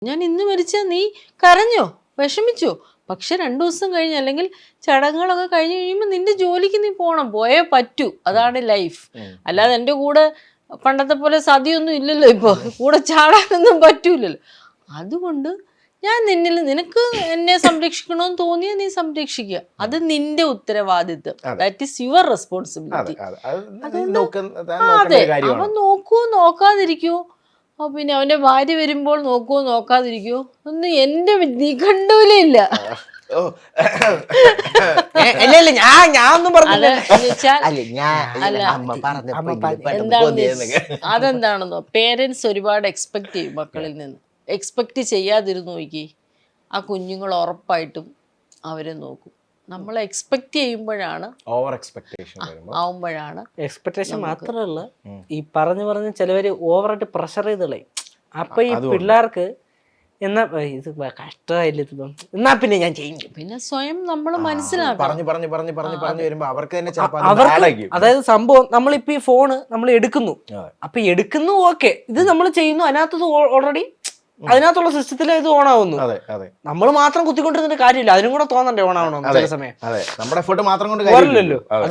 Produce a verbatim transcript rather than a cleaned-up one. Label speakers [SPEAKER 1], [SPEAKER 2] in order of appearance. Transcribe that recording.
[SPEAKER 1] ഞാൻ ഇന്ന് മരിച്ചാൽ നീ കരഞ്ഞോ വിഷമിച്ചോ? പക്ഷെ രണ്ടു ദിവസം കഴിഞ്ഞ് അല്ലെങ്കിൽ ചടങ്ങുകളൊക്കെ കഴിഞ്ഞ് കഴിയുമ്പോൾ നിന്റെ ജോലിക്ക് നീ പോകണം, പോയേ പറ്റൂ. അതാണ് ലൈഫ്. അല്ലാതെ എൻ്റെ കൂടെ പണ്ടത്തെ പോലെ സതിയൊന്നും ഇല്ലല്ലോ, ഇപ്പോൾ കൂടെ ചാടാനൊന്നും പറ്റൂലല്ലോ. അതുകൊണ്ട് ഞാൻ നിന്നിൽ നിനക്ക് എന്നെ സംരക്ഷിക്കണമെന്ന് തോന്നിയാൽ നീ സംരക്ഷിക്കുക. അത് നിന്റെ ഉത്തരവാദിത്വം. That is your responsibility. അതെ, അവൻ നോക്കുവോ നോക്കാതിരിക്കുവോ, പിന്നെ അവന്റെ ഭാര്യ വരുമ്പോൾ നോക്കുവോ നോക്കാതിരിക്കുവോ ഒന്നും എന്റെ നിഘണ്ടുവിലില്ല. അതെന്താണെന്നോ, പേരൻസ് ഒരുപാട് എക്സ്പെക്ട് ചെയ്യും മക്കളിൽ നിന്ന്. എക്സ്പെക്ട് ചെയ്യാതിരുന്നു നോക്കി, ആ കുഞ്ഞുങ്ങൾ ഉറപ്പായിട്ടും അവരെ നോക്കും. നമ്മൾ എക്സ്പെക്ട് ചെയ്യുമ്പോഴാണ്
[SPEAKER 2] ഓവർ എക്സ്പെക്ടേഷൻ
[SPEAKER 1] ആവുമ്പോഴാണ്.
[SPEAKER 3] എക്സ്പെക്ടേഷൻ മാത്രമല്ല, ഈ പറഞ്ഞു പറഞ്ഞ് ചിലവര് ഓവറായിട്ട് പ്രഷർ ചെയ്ത് കളയും. അപ്പൊ ഈ പിള്ളേർക്ക് എന്നാ ഇത് കഷ്ടമായില്ല, എന്നാ പിന്നെ ഞാൻ ചെയ്യും.
[SPEAKER 1] പിന്നെ സ്വയം നമ്മൾ മനസ്സിലാക്കണം.
[SPEAKER 2] പറഞ്ഞു പറഞ്ഞു പറഞ്ഞു പറഞ്ഞു പറഞ്ഞു വരുമ്പോ അവർക്ക് തന്നെ
[SPEAKER 3] അവർക്ക് അതായത് സംഭവം നമ്മളിപ്പോ ഈ ഫോണ് നമ്മൾ എടുക്കുന്നു, അപ്പൊ എടുക്കുന്നു ഓക്കെ, ഇത് നമ്മൾ ചെയ്യുന്നു, അതിനകത്ത് ഓൾറെഡി അതിനകത്തുള്ള സിസ്റ്റത്തിൽ ഇത് ഓണാവുന്നു. നമ്മൾ മാത്രം കുത്തിക്കൊണ്ടിരുന്നിട്ട് കാര്യമില്ല, അതിനും കൂടെ തോന്നണ്ടേ ഓണാവണം ചില സമയം.
[SPEAKER 2] നമ്മുടെ എഫേർട്ട് മാത്രം കൊണ്ട് കാര്യമില്ലല്ലോ.